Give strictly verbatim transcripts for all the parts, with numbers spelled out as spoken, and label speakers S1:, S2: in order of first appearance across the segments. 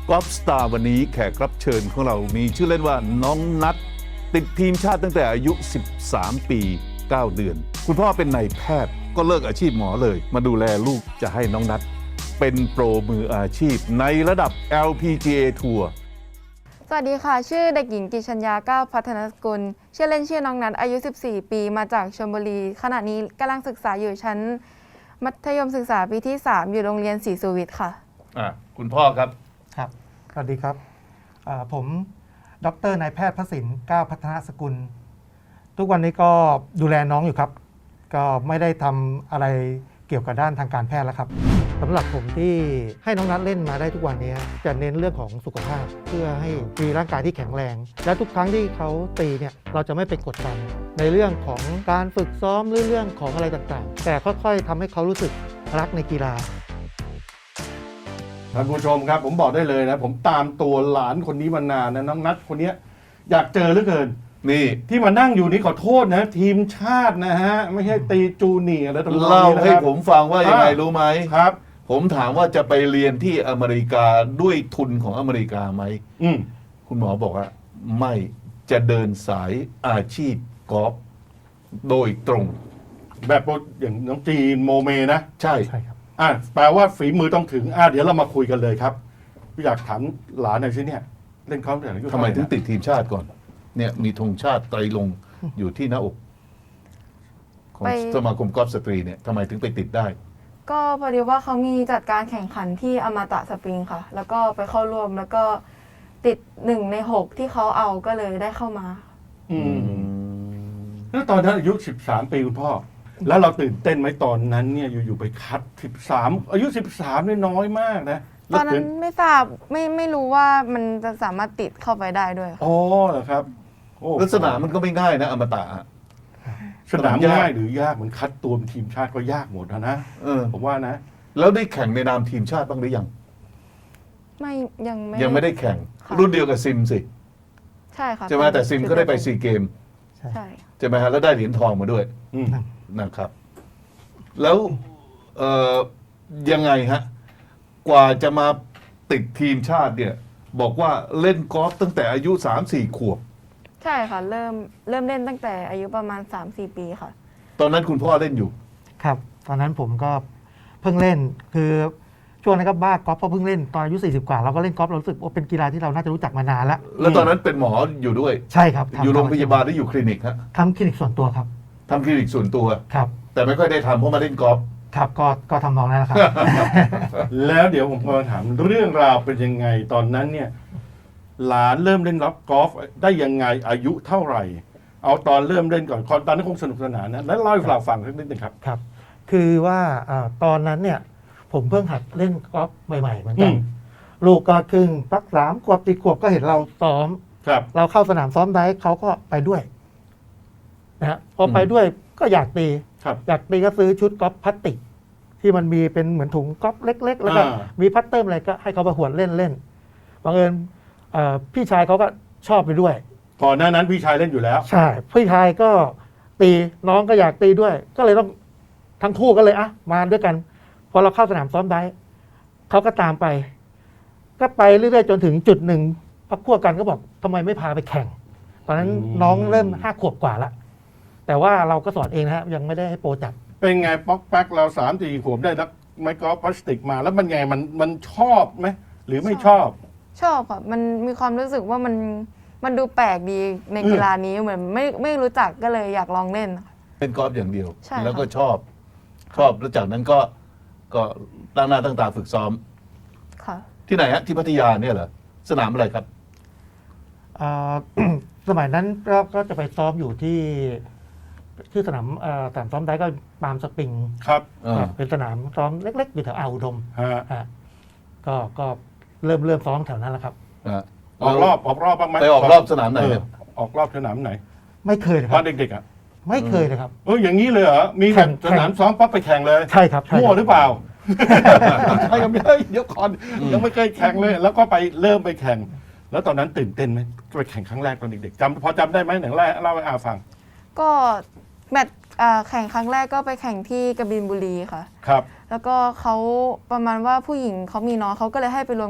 S1: กอล์ฟสตาร์วันนี้แขกรับเชิญของเรามีชื่อเล่นว่าน้องนัทติดทีมชาติตั้งแต่อายุ สิบสาม ปี เก้า เดือน คุณพ่อเป็นนายแพทย์ก็เลิกอาชีพหมอเลยมาดูแลลูกจะให้น้องนัทเป็นโปรมืออาชีพในระดับ แอล พี จี เอ ทัวร์
S2: สวัสดีค่ะชื่อเด็กหญิงกิชัญญาก้าวพัฒนสกุลชื่อเล่นชื่อน้องนัทอายุ สิบสี่ ปีมาจากชลบุรีขณะนี้กำลังศึกษาอยู่ชั้นมัธยมศึกษาปีที่ สาม อยู่โรงเรียนศรีสุวิทย์ค่ะ
S1: อ่ะคุณพ่อครับ
S3: ครับสวัสดีครับผมดรนายแพทย์พระสินก้าวพัฒนสกุลทุกวันนี้ก็ดูแลน้องอยู่ครับก็ไม่ได้ทำอะไรเกี่ยวกับด้านทางการแพทย์แล้วครับสำหรับผมที่ให้น้องนัทเล่นมาได้ทุกวันนี้จะเน้นเรื่องของสุขภาพเพื่อให้มีร่างกายที่แข็งแรงและทุกครั้งที่เขาตีเนี่ยเราจะไม่ไปกดดันในเรื่องของการฝึกซ้อมหรือเรื่องของอะไรต่างๆแต่ค่อยๆทำให้เขารู้สึกรักในกีฬา
S4: ท่านผู้ชมครับผมบอกได้เลยนะผมตามตัวหลานคนนี้มานานนะน้องนัทคนนี้อยากเจอเหลือเกิน
S1: นี่
S4: ที่มานั่งอยู่นี่ขอโทษนะทีมชาตินะฮะไม่ใช่ตีจูเนียร์แล้วตรงนี้
S1: เล่าให้
S4: นะครับ
S1: ผมฟังว่ายังไงรู้ไหม
S4: ครับ
S1: ผมถามว่าจะไปเรียนที่อเมริกาด้วยทุนของอเมริกาไหม
S4: อืม
S1: คุณหมอบอกว่าไม่จะเดินสายอาชีพกอล์ฟโดยตรง
S4: แบบอย่างน้องจีนโมเมนะ
S1: ใช่
S3: ใช่ครับ
S4: อ่ะแปลว่าฝีมือต้องถึงอ่ะเดี๋ยวเรามาคุยกันเลยครับอยากถามหลานหน่อยสิเนี่ยเล่นกอล์ฟแต่อายุ
S1: ทำไม
S4: เท่าหร่
S1: ถึงติดทีมชาติก่อน เนี่ยมีธงชาติไตรลงค์อยู่ที่หน้าอกของ
S2: ไป
S1: สมาคมกอล์ฟสตรีเนี่ยทำไมถึงไปติดได้
S2: ก็พอดีว่าเขามีจัดการแข่งขันที่อมตะสปริงค่ะ แล้วก็ไปเข้าร่วมแล้วก็ติดหนึ่งในหกที่เขาเอาก็เลยได้เข้ามา
S4: อืมแล้วตอนนั้นอายุสิบสามปีคุณพ่อแล้วเราตื่นเต้นไหมตอนนั้นเนี่ยอยู่ๆไปคัดสิบสามอายุสิบสามนี่น้อยมากนะ
S2: ตอนนั้นไม่ทราบไม่ไม่รู้ว่ามันจะสามารถติดเข้าไปได้ด้วยค่ะ
S4: อ๋อเหรอครับโอ้
S1: ลักษณะมันก็ไม่ง่ายนะอมตะอะ
S4: สนาม
S1: ยาก
S4: ง่ายหรือยากเหมือนคัดตัวเป็นทีมชาติก็ยากหมดนะนะ
S1: เออ
S4: ผมว่านะ
S1: แล้วได้แข่งในนามทีมชาติบ้างหรือยัง
S2: ไม่ยังไม่
S1: ยังไม่ได้แข่ง
S2: ค่ะ
S1: รุ่นเดียวกับซิมสิ
S2: ใช่ค่ะ
S1: ใช่ไหมแต่ซิมก็ได้ไปซีเกม
S2: ใช่
S1: ใช่ไหมฮะแล้วได้เหรียญทองมาด้วย
S4: อืม
S1: นะครับ แล้วเอ่อยังไงฮะ กว่าจะมาติดทีมชาติเนี่ย บอกว่าเล่นกอล์ฟตั้งแต่อายุ สามสี่ ขวบ
S2: ใช่ค่ะเริ่มเริ่มเล่นตั้งแต่อายุประมาณ สามสี่ ปีค่ะ
S1: ตอนนั้นคุณพ่อเล่นอยู่
S3: ครับตอนนั้นผมก็เพิ่งเล่นคือช่วงนั้นก็บ้ากอล์ฟเพราะเพิ่งเล่นตอนอายุสี่สิบกว่าเราก็เล่นกอล์ฟเรารู้สึกว่าเป็นกีฬาที่เราน่าจะรู้จักมานานแล้ว
S1: แล้วตอนนั้นเป็นหมออยู่ด้วย
S3: ใช่ครับทำ
S1: อยู่โรงพยาบาลหรืออยู่คลินิกฮะ
S3: ทำคลินิกส่วนตัวครับ
S1: ทำคลินิกส่วนตัว
S3: ครับ
S1: แต่ไม่ค่อยได้ทำเพราะมาเล่นกอล์ฟ
S3: ครับก็ก็ทำนองนั้นแหละครับ
S4: แล้วเดี๋ยวผมพอถามเรื่องราวเป็นยังไงตอนนั้นเนี่ย หลานเริ่มเล่นรับกอล์ฟได้ยังไงอายุเท่าไหร่ เอาตอนเริ่มเล่นก่อนตอนนั้นคงสนุกสนานนะแล้วเล่าให้เราฟังสักนิดหนึงครับ
S3: ครับ คือว่าอาตอนนั้นเนี่ย ผมเพิ่งหัดเล่นกอล์ฟใหม่ๆเหมือนกัน
S4: อืม
S3: ลูกก็ครึ่งปักสามขวบสี่ขวบก็เห็นเราซ้อม
S4: ครับ
S3: เราเข้าสนามซ้อมได้เขาก็ไปด้วยนะฮะพอไปด้วยก็อยากตี
S4: ครับ
S3: อยากตีก็ซื้อชุดกอล์ฟพลาสติก ที่มันมีเป็นเหมือนถุงกอล์ฟเล็ก ๆ แล้วก็
S4: อ่า
S3: มีพัตเตอร์อะไรก็ให้เขาไปหวนเล่นเล่นบังเอิญเอ่อพี่ชายเขาก็ชอบไปด้วย
S4: ก่อนหน้านั้นพี่ชายเล่นอยู่แล้ว
S3: ใช่พี่ชายก็ตีน้องก็อยากตีด้วย ก็เลยต้องทั้งคู่ก็เลยอ่ะมาด้วยกัน พอเราเข้าสนามซ้อมได้เขาก็ตามไป ก็ไปเรื่อยๆจนถึงจุดหนึ่งพักพวกกันก็บอกทำไมไม่พาไปแข่ง ตอนนั้น
S4: อืม
S3: น้องเริ่มห้าขวบกว่าละแต่ว่าเราก็สอนเองนะฮะยังไม่ได้ให้โปรจับ
S4: เป็นไงป๊อกแป๊กเราสามสี่ขวบได้นักไม้กอล์ฟพลาสติกมา แล้วมันไงมันมันชอบไหมหรือไม่ชอบ
S2: ชอบค่ะมันมีความรู้สึกว่ามันมันดูแปลกดีในกีฬานี้เหมือนไม่ไม่รู้จักก็เลยอยากลองเล่นค่ะ
S1: เล่นกอล์ฟอย่างเดียว
S2: ใช่ค่ะ
S1: แล้วก็ชอบ ชอบแล้วจากนั้นก็ก็ตั้งหน้าตั้งตาฝึกซ้อม
S2: ค่ะ
S1: ที่ไหนฮะที่พัทยาเนี่ยเหรอสนามอะไรครับ
S3: อ่า สมัยนั้นก็ก็จะไปซ้อมอยู่ที่ที่สนามเอ่อสนามซ้อมได้ก็ปาล์มสปริง
S4: ครับ
S1: อ่า
S3: ครับเป็นสนามซ้อมเล็กๆอยู่แถวอ่าวอุดม
S4: ฮะ
S3: อ่ะก็ก็เริ่มเริ่มซ้อมแถวนั้นแหละครับ
S1: อ่า
S4: ออกรอบออกรอบบ้างไหม
S1: ไปออกรอบสนามไหนเนี่ย
S4: เออออกรอบสนามไหน
S3: ไม่เคยเลยค
S4: ต
S3: รั
S4: อบ นเด็กๆอ่ะ
S3: ไม่เคยเลยครับ
S4: เอออย่างนี้เลยเหรอมี
S3: แข่
S4: แบบ
S3: ง
S4: สนามซ้อมปั๊บไปแข่งเลย
S3: ใช่ครับใช่
S4: มั่
S3: คว รับ
S4: หรือเปล่า ใช่ยังไม่เดี๋ยวก่อนยังไม่เคยแข่งเลย แล้วก็ไปเริ่มไปแข่ง แล้วตอนนั้นตื่นเต้นไหมไปแข่งครั้งแรกตอนเด็กๆจำพอจำได้ไหมหนังแรกเล่าให้อาฟัง
S2: ก็แมตช์อ่าแข่งครั้งแรกก็ไปแข่งที่กบินบุรีค่ะ
S4: ครับ
S2: แล้วก็เขาประมาณว่าผู้หญิงเขามีน้องเขาก็เลยให้ไปรวมกับ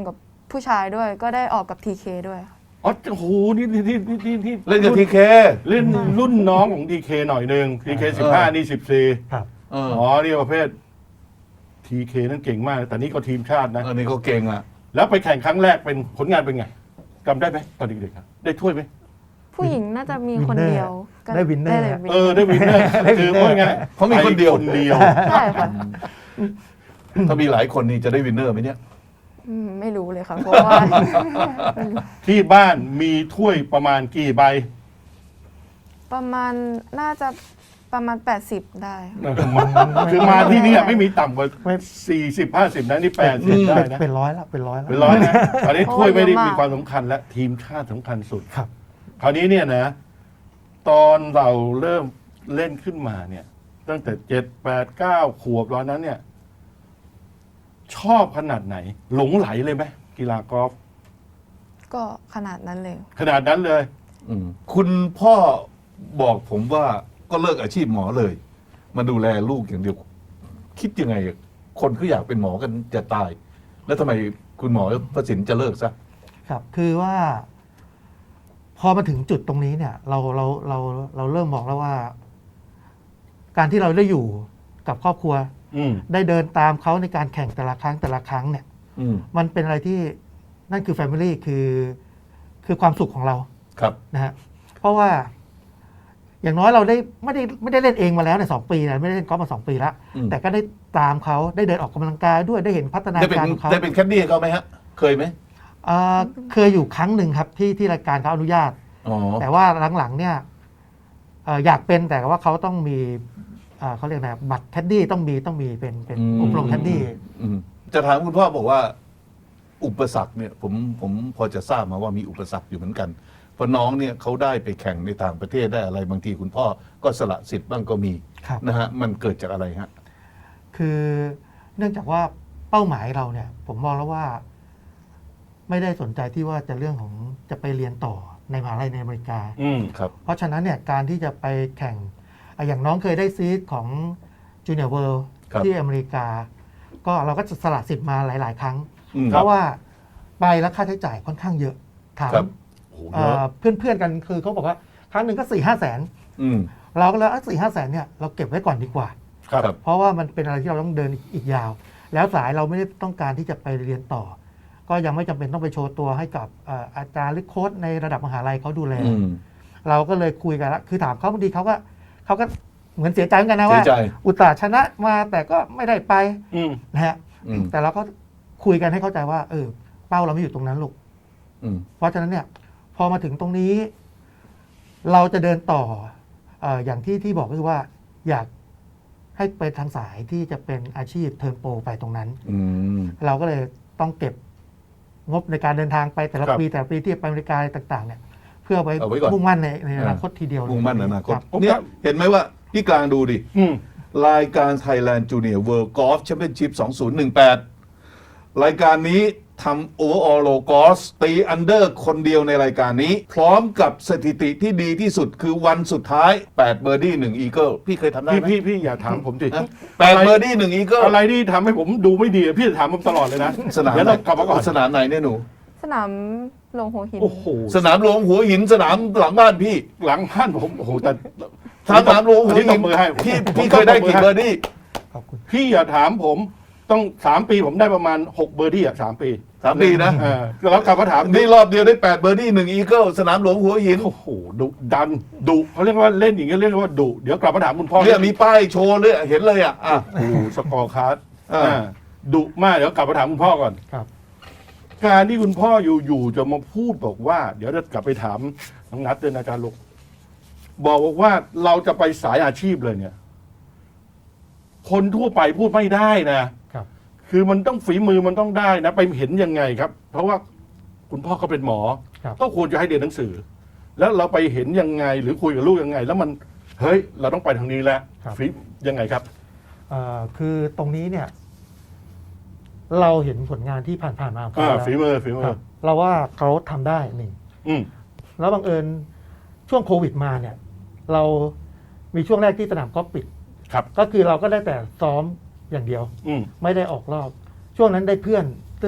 S2: ผู้ชายด้วย ก็ได้ออกกับ ที เค ด้วย
S4: อ๋อโอ้โหนี่นี่นี่นี่นี่
S1: เล่นกับทีเค
S4: เล่นรุ่นน้องของดีเคหน่อยหนึ่งดีเคสิบห้านี่สิบสี่
S3: ครับ
S1: เออ
S4: อ๋อนี่ประเภททีเคนั่นเก่งมาก แต่นี่ก็ทีมชาตินะ
S1: อันนี้เขาเก่งอ่ะ
S4: แล้วไปแข่งครั้งแรกเป็นผลงานเป็นไงจำได้ไหมตอนเด็กๆครับได้ถ้วยไหม
S2: ผู้หญิงน่าจะมีคนเดียวก็
S3: ได้วินเนอร์
S2: เลย
S4: เออได้วินเนอร์คือว่าไง
S1: เขามีคนเดียว
S4: ไปคนเดียว
S2: ใช่ค่ะ
S1: ถ้ามีหลายคนนี่จะได้วินเนอร์ไหมเนี่ย
S2: อืมไม่รู้เลยค่ะ เพราะว่า
S4: ที่บ้านมีถ้วยประมาณกี่ใบ
S2: ประมาณน่าจะประมาณ แปดสิบ ได้
S4: คือมาที่นี่ไม่มีต่ำกว่า
S3: ไม่
S4: สี่สิบห้าสิบนะนี่แปดสิบได้
S3: เป็น
S4: นะ
S3: เป็นร้อยละเป็นร้อยละ
S4: เป็นร้อยนะตอนนี้ถ้วยไม่ได้
S2: โอ้เยอะมาก
S4: มีความสำคัญและทีมชาติสำคัญสุด
S3: ครับ
S4: คราวนี้เนี่ยนะ ตอนเราเริ่มเล่นขึ้นมาเนี่ย ตั้งแต่เจ็ดแปดเก้าขวบตอนนั้นเนี่ย ชอบขนาดไหน หลงไหลเลยไหมกีฬากอล์ฟ
S2: ก็ขนาดนั้นเลย
S4: ขนาดนั้นเลย
S1: อืมคุณพ่อบอกผมว่าก็เลิกอาชีพหมอเลย มาดูแลลูกอย่างเดียว คิดยังไง คนเขาอยากเป็นหมอกันจะตาย แล้วทำไมคุณหมอประสิทธิ์จะเลิกซะ
S3: ครับ คือว่า พอมาถึงจุดตรงนี้เนี่ย เราเราเราเราเริ่มมองแล้วว่า การที่เราได้อยู่กับครอบครัว
S4: อืม
S3: ได้เดินตามเขาในการแข่งแต่ละครั้งแต่ละครั้งเนี่ย
S1: อืม
S3: มันเป็นอะไรที่นั่นคือ Family คือคือความสุขของเรา
S1: ครับ
S3: นะฮะเพราะว่า อย่างน้อยเราได้ไม่ได้ไม่ได้เล่นเองมาแล้วในยสองปีนะไม่ได้เล่นกอล์ฟมาสองปีแล้ว
S1: อืม
S3: แต่ก็ได้ตามเขาได้เดินออกกำลังกายด้วยได้เห็นพัฒนา
S1: ได้เป็น
S3: การของเขา
S1: ได้เป็นแคดดี้ให้เขาไหมฮะ เคยไหม
S3: อ่าเคยอยู่ครั้งหนึ่งครับที่ที่รายการเขาอนุญาต
S1: อ๋อ
S3: แต่ว่าหลังๆเนี่ยเอ่ออยากเป็นแต่ว่าเขาต้องมีอ่าเขาเรียกนะบัตรแคดดี้ต้องมีต้องมีเป็นเป็น
S1: อืม
S3: อบรมแคดดี้
S1: อืมจะถามคุณพ่อบอกว่า อุปสรรคเนี่ยผมผมพอจะทราบมาว่ามีอุปสรรคอยู่เหมือนกัน เพราะน้องเนี่ยเขาได้ไปแข่งในต่างประเทศได้อะไรบางทีคุณพ่อก็สละสิทธิ์บ้างก็มี
S3: ครับ
S1: นะฮะมันเกิดจากอะไรฮะ
S3: คือเนื่องจากว่าเป้าหมายเราเนี่ย ผมมองแล้วว่า ไม่ได้สนใจที่ว่าจะเรื่องของจะไปเรียนต่อในมหาลัยในอเมริกา
S4: อืม
S1: ครับ
S3: เพราะฉะนั้นเนี่ยการที่จะไปแข่งอ่ะอย่างน้องเคยได้ซีดของจูเนียร์เวิลด์
S1: ครับ
S3: ที่อเมริกา ก็เราก็จะสละสิทธิ์มาหลาย ๆ ครั้ง
S1: อืม
S3: เพราะว่าไปแล้วค่าใช้จ่ายค่อนข้างเยอะถาม
S1: ครับ
S4: โอ้โห
S3: เอ่
S4: เยอะ
S3: อเพื่อน ๆ กันคือเขาบอกว่าครั้งหนึ่งก็สี่ห้าแสน
S1: อืม
S3: เราก็เลยสี่ห้าแสนเนี่ยเราเก็บไว้ก่อนดีกว่า
S4: ครับ
S1: ครับ
S3: เพราะว่ามันเป็นอะไรที่เราต้องเดินอีกยาว แล้วสายเราไม่ได้ต้องการที่จะไปเรียนต่อ ก็ยังไม่จำเป็นต้องไปโชว์ตัวให้กับเอ่ออาจารย์หรือโค้ชในระดับมหาลัยเขาดูแล
S1: อืม
S3: เราก็เลยคุยกันแล้วคือถามเขาบางทีเขาก็เขาก็เหมือนเสียใจเหมือนกันนะ
S1: เสี
S3: ว่า
S1: ยใจ
S3: อุตส่าห์ชนะมาแต่ก็ไม่ได้ไป
S4: อืม
S3: นะฮะ
S1: อืม
S3: แต่เราก็คุยกันให้เข้าใจว่า เออ เป้าเราไม่อยู่ตรงนั้นลูก
S1: อืม
S3: เพราะฉะนั้นเนี่ย พอมาถึงตรงนี้ เราจะเดินต่อเอ่ออย่างที่ที่บอกก็คือว่า อยากให้ไปทางสายที่จะเป็นอาชีพเทิร์นโปรไปตรงนั้น
S1: อืม
S3: เราก็เลยต้องเก็บงบในการเดินทางไปแต่ละ
S4: ครับ
S3: ปีแต่ละปีที่ไปอเมริกาอะไรต่างๆ เนี่ย เพื่อไป
S1: เอาไว้ก่อน
S3: มุ่งมั่นในในอนาคตทีเดียวเลย
S1: มุ่งมั่นอนาคต
S3: รับ
S1: เนี่ยเห็นไหมว่าพี่กลางดูดิ
S4: อืม
S1: รายการ Thailand Junior World Golf Championship สองพันสิบแปด รายการนี้ทำ Overall Low Golf ตีอันเดอร์คนเดียวในรายการนี้ พร้อมกับสถิติที่ดีที่สุดคือวันสุดท้ายแปดเบอร์ดี้หนึ่งอีเกิลพี่เคยทำได้
S4: พี่
S1: ไหม
S4: พี่พี่อย่าถามผมสิ
S1: แปดเบอร์ดี้หนึ่งอีเกิล
S4: อะไรที่ทำให้ผมดูไม่ดีพี่จะถามผมตลอดเลยนะ
S1: สนาม
S4: เดี๋ยวเรากลับมาก่อน
S1: สนามไหนเนี่ยหนู
S2: สนามหลวงหัวหิน
S4: โอ้โห
S1: สนามหลวงหัวหินสนามหลังบ้านพี่
S4: หลังบ้านผมโอ้โหแต่
S1: สนามหลวงหัว
S4: อันนี้ต
S1: หิ
S4: บ
S1: น
S4: มือให้
S1: พี่
S4: ผม
S1: พี่เคยได้กี่
S4: ตบมือให้
S1: เบอร์ดี้
S3: ขอบคุณ
S4: พี่อย่าถามผมต้องสามปีผมได้ประมาณหกเบอร์ดี้อ่ะสามปี
S1: สามปีนะ
S4: เออแล้วกลับมาถาม
S1: นี่รอบเดียวได้แปดเบอร์ดี้หนึ่งอีเกิลสนามหลวงหัวหิน
S4: โอ้โหดุดันดุเขาเรียกว่าเล่นอย่างเงี้ยเรียกว่าดุเดี๋ยวกลับมาถามคุณพ่อ
S1: เนี่ยมีป้ายโชว์เลยเห็นเลยอ่ะอ่ะ
S4: โอ้โหสกอร์คาร์ด
S1: อ่า
S4: อ่าดุมากเดี๋ยวกลับมาถามคุณพ่อก่อน
S3: ครับ
S4: การที่คุณพ่ออยู่ๆจะมาพูดบอกว่า เดี๋ยวจะกลับไปถามน้องนัทเดินอาจารย์ลูกบอกว่าเราจะไปสายอาชีพเลยเนี่ย คนทั่วไปพูดไม่ได้นะ
S3: ครับ
S4: คือมันต้องฝีมือมันต้องได้นะ ไปเห็นยังไงครับ เพราะว่าคุณพ่อก็เป็นหมอ
S3: ครับ
S4: ก็ควรจะให้เรียนหนังสือ แล้วเราไปเห็นยังไง หรือคุยกับลูกยังไง แล้วมันเฮ้ย เราต้องไปทางนี้แล้ว
S3: ครับ
S4: ฝียังไงครับ
S3: เอ่อคือตรงนี้เนี่ย เราเห็นผลงานที่ผ่านๆมาของ
S4: อ่า
S3: เขาแล้ว
S4: ฝีมือฝีมื
S3: ครั
S4: อบ
S3: เราว่าเขาทำได้หนึ่ง
S4: อืม
S3: แล้วบังเอิญช่วงโควิดมาเนี่ย เรามีช่วงแรกที่สนามกอล์ฟปิด
S4: ครับ
S3: ก็คือเราก็ได้แต่ซ้อมอย่างเดียว
S4: อืม
S3: ไม่ได้ออกรอบ ช่วงนั้นได้เพื่อน ซึ่ง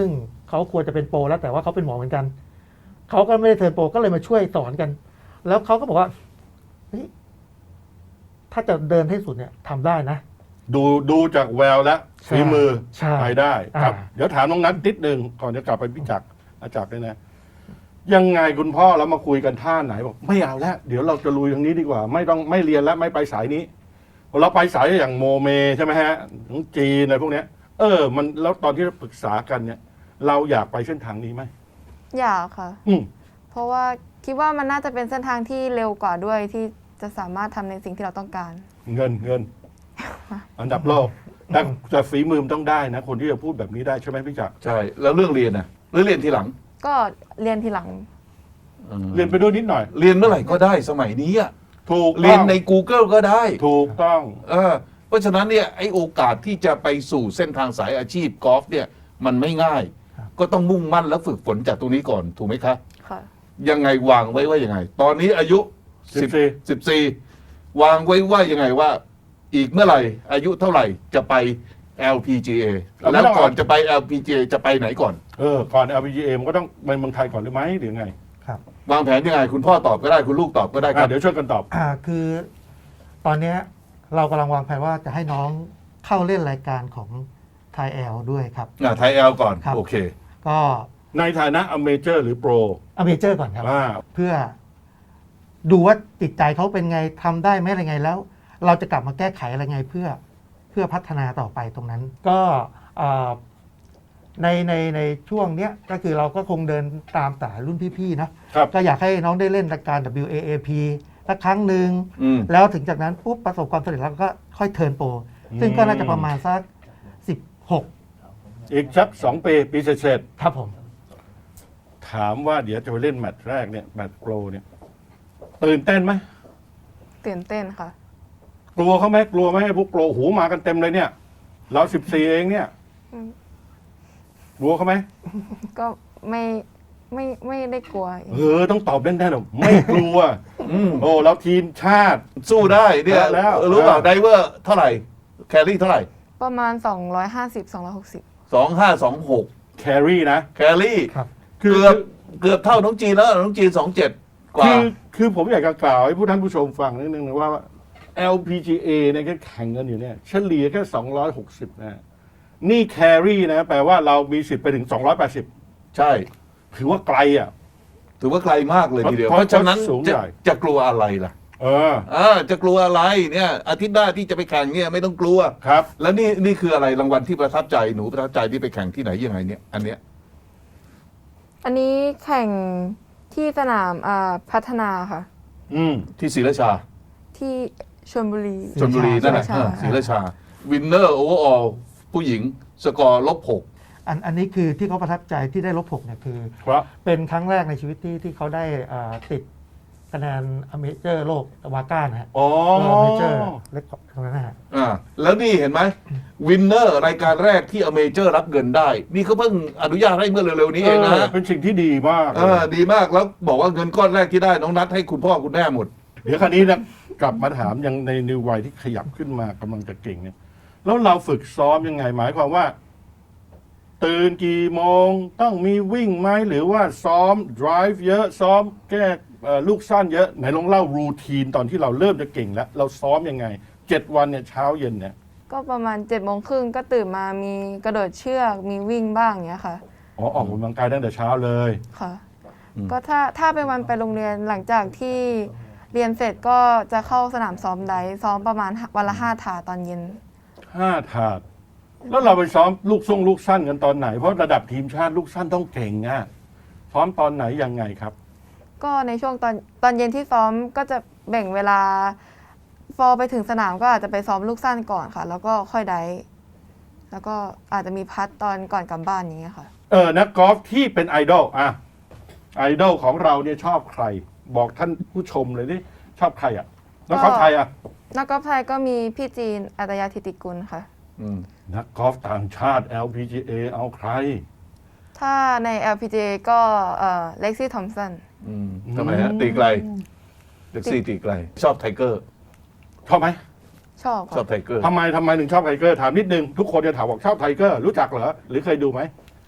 S3: เขาควรจะเป็นโปรแล้วแต่ว่าเขาเป็นหมอเหมือนกันเขาก็ไม่ได้เทิร์นโปรก็เลยมาช่วยสอนกัน แล้วเขาก็บอกว่าเฮ้ยถ้าจะเดินให้สุดเนี่ยทำได้นะ
S4: ดูดูจากแววและฝีมือ
S3: ใช่
S4: ไปได้ครับ
S3: อ่า
S4: เดี๋ยวถามน้องนัทนิดนึงก่อนจะกลับไปพี่จักรอาจักรเลยนะ ยังไงคุณพ่อแล้วมาคุยกันท่าไหนบอกไม่เอาแล้วเดี๋ยวเราจะลุยทางนี้ดีกว่า ไม่ต้องไม่เรียนแล้วไม่ไปสายนี้เราไปสายอย่างโมเมใช่ไหมฮะของจีนอะไรพวกเนี้ย เออ มันแล้วตอนที่เราปรึกษากันเนี่ย เราอยากไปเส้นทางนี้ไหม
S2: อยากค่ะ
S4: อืม
S2: เพราะว่าคิดว่ามันน่าจะเป็นเส้นทางที่เร็วกว่าด้วยที่จะสามารถทำในสิ่งที่เราต้องการ
S4: เงินเงิน อันดับโลกแต่แต่ฝีมือมันต้องได้นะ คนที่จะพูดแบบนี้ได้ใช่ไหมพี่จักร
S1: ใช่ แล้วเรื่องเรียนนะหรือเรียนทีหลัง
S2: ก็เรียนทีหลัง
S1: ออ
S4: เรียนไปด้วยนิดหน่อย
S1: เรียนเมื่อไหร่ก็ได้สมัยนี้อะ
S4: ถูก
S1: เรียนใน Google ก็ได้
S4: ถูกต้อง
S1: เออเพราะฉะนั้นเนี่ยไอโอกาสที่จะไปสู่เส้นทางสายอาชีพกอล์ฟเนี่ยมันไม่ง่าย ก็ต้องมุ่งมั่นและฝึกฝนจากตรงนี้ก่อนถูกไหมคะ
S2: ค่ะ
S1: ยังไงวางไว้ว่ายังไง ตอนนี้อายุ
S4: สิบสี่
S1: สิบสี่วางไว้ว่ายังไงว่า อีกเมื่อไหร่ อายุเท่าไหร่จะไป แอล พี จี เอ แล้วก่อนจะไป แอล พี จี เอ จะไปไหนก่อน
S4: เออก่อน แอล พี จี เอ มันก็ต้องไปเมืองไทยก่อนหรือไหมหรือไง
S3: ครับ
S1: วางแผนยังไง คุณพ่อตอบก็ได้คุณลูกตอบก็ได้ค
S4: อ่ะ
S1: รับ
S4: เดี๋ยวช่วยกันตอบ
S3: อ่าคือตอนเนี้ยเรากำลังวางแผนว่าจะให้น้องเข้าเล่นรายการของไทยแอลด้วยครับ
S1: อ่ะไทยแอลก่อน
S3: ครับ
S1: โอเค
S3: ก็
S4: ในฐานะอเมเจอร์หรือโปร
S3: อเมเจอร์ก่อนครับ
S4: อ่า
S3: เพื่อดูว่าจิตใจเขาเป็นไงทำได้ไหมอะไรไงแล้ว เราจะกลับมาแก้ไขอะไรไงเพื่อเพื่อพัฒนาต่อไปตรงนั้น ก็อ่าในในในช่วงเนี้ยก็คือเราก็คงเดินตามสายรุ่นพี่ๆนะครับ ก็อยากให้น้องได้เล่นรายการ ดับเบิลยู เอ เอ พี สักครั้งหนึ่ง
S1: อืม
S3: แล้วถึงจากนั้นปุ๊บประสบความสำเร็จแล้วก็ค่อยเทิร์นโปรซึ่งก็น่าจะประมาณสักสิบหก
S4: อีกสักสองปีปีเสร็จ
S3: ครับผม
S4: ๆถามว่าเดี๋ยวจะไปเล่นแมตช์แรกเนี่ยแมตช์โปรเนี่ยตื่นเต้นไหม
S2: ตื่นเต้นค่ะ
S4: กลัวเขาไหมกลัวไหมให้พวกโปรหูมากันเต็มเลยเนี่ย เราสิบสี่เองเนี่ย
S2: อืม
S4: กลัวเขาไหม
S2: ก็ไม่ไม่ไม่ได้กลัว
S4: เออต้องตอบแน่ๆหรอกไม่กลัว
S1: อืม
S4: โอ้เราทีมชาติ
S1: สู้ได้เนี่ย
S4: แล้ว
S1: รู้เปล่า
S4: เออ
S1: ไดเวอร์เท่าไหร่ แครี่เท่าไหร่
S2: ประมาณ สองร้อยห้าสิบ สองร้อยหกสิบ
S1: สองห้าสองหก
S4: แครี่นะ
S1: แครี่
S3: ครับ
S4: คือ
S1: เกือบเกือบเท่าน้องจีนแล้วน้องจีนสองเจ็ดกว่า
S4: คือคือผมอยากจะกล่าวให้ผู้ท่านผู้ชมฟังนิดนึงนะว่า แอล พี จี เอ เนี่ยก็แข่งกันอยู่เนี่ยเฉลี่ยแค่สองร้อยหกสิบนะนี่แครี่นะแปลว่าเรามีสิทธิ์ไปถึงสองร้อยแปดสิบ
S1: ใช่
S4: ถือว่าไกลอ่ะ
S1: ถือว่าไกลมากเลยทีเดียว
S4: เพ
S1: เพ
S4: ราะ
S1: ราะฉะนั้น
S4: สูง
S1: จะ
S4: ใหญ่
S1: จะกลัวอะไรล่ะ
S4: เออ
S1: อ่าจะกลัวอะไรเนี่ยอาทิตย์หน้าที่จะไปแข่งเนี่ยไม่ต้องกลัว
S4: ครับ
S1: แล้วนี่นี่คืออะไรรางวัลที่ประทับใจหนูประทับใจที่ไปแข่งที่ไหนยังไงเนี่ยอันเนี้ย
S2: อันนี้แข่งที่สนามอ่าพัฒนาค่ะ
S4: อืม
S1: ที่ศรีราชา
S2: ที่ชลบุรี
S1: ชลบุรีนั่นแหละ
S2: ศรีราชา
S1: เออศรีราชาวินเนอร์โอเวอร์ออลผู้หญิงสกอร์ลบหก
S3: อันอันนี้คือที่เขาประทับใจที่ได้ลบหกเนี่ยคือ
S4: ครับ
S3: เป็นครั้งแรกในชีวิตที่ที่เขาได้อ่าติดคะแนนอเมเจอร์โลกวาก้านะฮะ
S4: อ๋อ
S3: อเมเจอร์เล็กตรงนั้นนะฮะ
S1: อ่าแล้วนี่เห็นไหมวินเนอร์รายการแรกที่อเมเจอร์รับเงินได้ นี่เขาเพิ่งอนุญาตให้เมื่อเร็วๆนี้เองนะ
S4: เออเป็นสิ่งที่ดีมาก
S1: เออดีมากแล้วบอกว่าเงินก้อนแรกที่ได้น้องนัดให้คุณพ่อคุณแม่หมด
S4: เดี๋ยวคราวนี้นะกลับมาถามยังในนิววัยที่ขยับขึ้นมากำลังจะเก่งเนี่ย แล้วเราฝึกซ้อมยังไงหมายความว่า ตื่นกี่โมงต้องมีวิ่งไหมหรือว่าซ้อม drive เยอะซ้อมแก้เอ่อลูกสั้นเยอะไหนลองเล่ารูทีนตอนที่เราเริ่มจะเก่งแล้ว เราซ้อมยังไงเจ็ดวันเนี่ยเช้าเย็นเนี่ย
S2: ก็ประมาณเจ็ดโมงครึ่งก็ตื่นมามีกระโดดเชือกมีวิ่งบ้างอย่างเงี้ยค่ะ
S4: อ๋อออกกำลังกายตั้งแต่เช้าเลย
S2: ค่ะ
S1: อืม
S2: ก็ถ้าถ้าเป็นวันไปโรงเรียนหลังจากที่เรียนเสร็จก็จะเข้าสนามซ้อมไดฟ์ซ้อมประมาณวันละห้าถาตอนเย็น
S4: ห้าถาด แล้วเราไปซ้อมลูกส่งลูกสั้นกันตอนไหน เพราะระดับทีมชาติลูกสั้นต้องเก่งอ่ะซ้อมตอนไหนยังไงครับ
S2: ก็ในช่วงตอนตอนเย็นที่ซ้อมก็จะแบ่งเวลาพอไปถึงสนามก็อาจจะไปซ้อมลูกสั้นก่อนค่ะ แล้วก็ค่อยไดฟ์แล้วก็อาจจะมีพัดตอนก่อนกลับบ้านอย่างเงี้ยค่ะ
S4: เออนักกอล์ฟที่เป็นไอดอลอ่ะไอดอลของเราเนี่ยชอบใคร บอกท่านผู้ชมเลยดิชอบใครอ่ะนักกอล์ฟไทยอ่ะ
S2: นักกอล์ฟไทยก็มีพี่จีนอัตยาธิติกุลค่ะ
S1: อืม
S4: นักกอล์ฟต่างชาติ แอล พี จี เอ เอาใคร
S2: ถ้าใน แอล พี จี เอ ก็เล็กซี่ทอมสัน
S1: อืมทำไมฮะตีไกลเล็กซี่ตีไกล ชอบไทเกอร์
S4: ชอบไหม
S2: ชอบ
S1: ชอบ
S2: ค่ะ
S1: ไทเกอร์
S4: ทำไมทำไมถึงชอบไทเกอร์ถามนิดนึง ทุกคนจะถามบอกชอบไทเกอร์รู้จักเหรอ หรือเคยดูไหม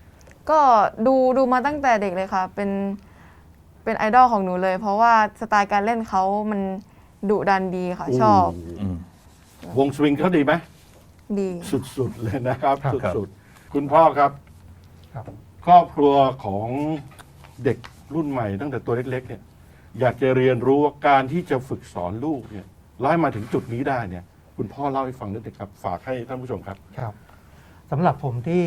S2: ก็ดูดูมาตั้งแต่เด็กเลยค่ะ เป็นเป็นไอดอลของหนูเลย เพราะว่าสไตล์การเล่นเขามันดุดันดีค่ะ ชอบ
S1: อืม
S4: วงสวิงเขาดีไหม
S2: ดี
S4: สุดๆเลยนะครับ
S3: ครับ
S4: สุดๆคุณพ่อครับ
S3: ครับ
S4: ครอบครัวของเด็กรุ่นใหม่ตั้งแต่ตัวเล็กๆเนี่ยอยากจะเรียนรู้ว่าการที่จะฝึกสอนลูกเนี่ยไล่มาถึงจุดนี้ได้เนี่ย คุณพ่อเล่าให้ฟังนิดนึงครับ ฝากให้ท่านผู้ชมครับ
S3: ครับสำหรับผมที่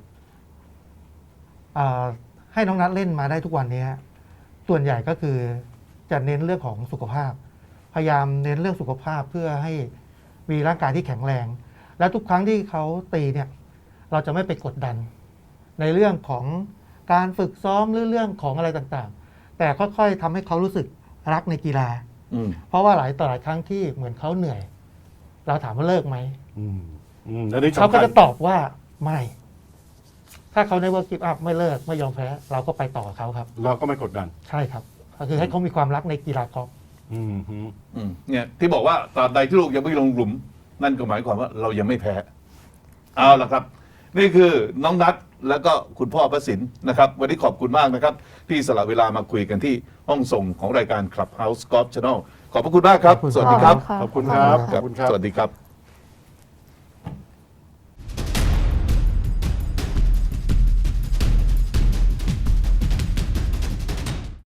S3: อ่าให้น้องนัทเล่นมาได้ทุกวันนี้ส่วนใหญ่ก็คือจะเน้นเรื่องของสุขภาพ พยายามเน้นเรื่องสุขภาพเพื่อให้มีร่างกายที่แข็งแรง และทุกครั้งที่เขาตีเนี่ย เราจะไม่ไปกดดัน ในเรื่องของการฝึกซ้อมหรือเรื่องของอะไรต่างๆ แต่ค่อยๆทำให้เขารู้สึกรักในกีฬา
S1: อืม
S3: เพราะว่าหลายต่อหลายครั้งที่เหมือนเขาเหนื่อย เราถามว่าเลิกไหม
S4: อืมอืมอันนี้
S3: เขา
S4: สำ
S3: ก็
S4: คัญ
S3: จะตอบว่าไม่ ถ้าเขาในว่ากิฟต์อัพไม่เลิกไม่ยอมแพ้ เราก็ไปต่อกับเขาครับ
S4: เราก็ไม่กดดัน
S3: ใช่ครับ ก็คือให้เขามีความรักในกีฬากอล์ฟ
S4: อืมฮึ
S1: อืมเนี่ยที่บอกว่าตราบใดที่ลูกยังไม่ลงหลุม นั่นก็หมายความว่าเรายังไม่แพ้ เอาละครับ นี่คือน้องนัทแล้วก็คุณพ่อประสินนะครับ วันนี้ขอบคุณมากนะครับ ที่สละเวลามาคุยกันที่ห้องส่งของรายการ Clubhouse Golf Channel ขอบพระคุณมากครับ
S3: ขอบคุณ
S1: สวัสดีครับ
S2: ะ
S4: ขอบคุณครับ
S1: ครับ
S4: ขอบคุณครับ
S1: สวัสดีครับ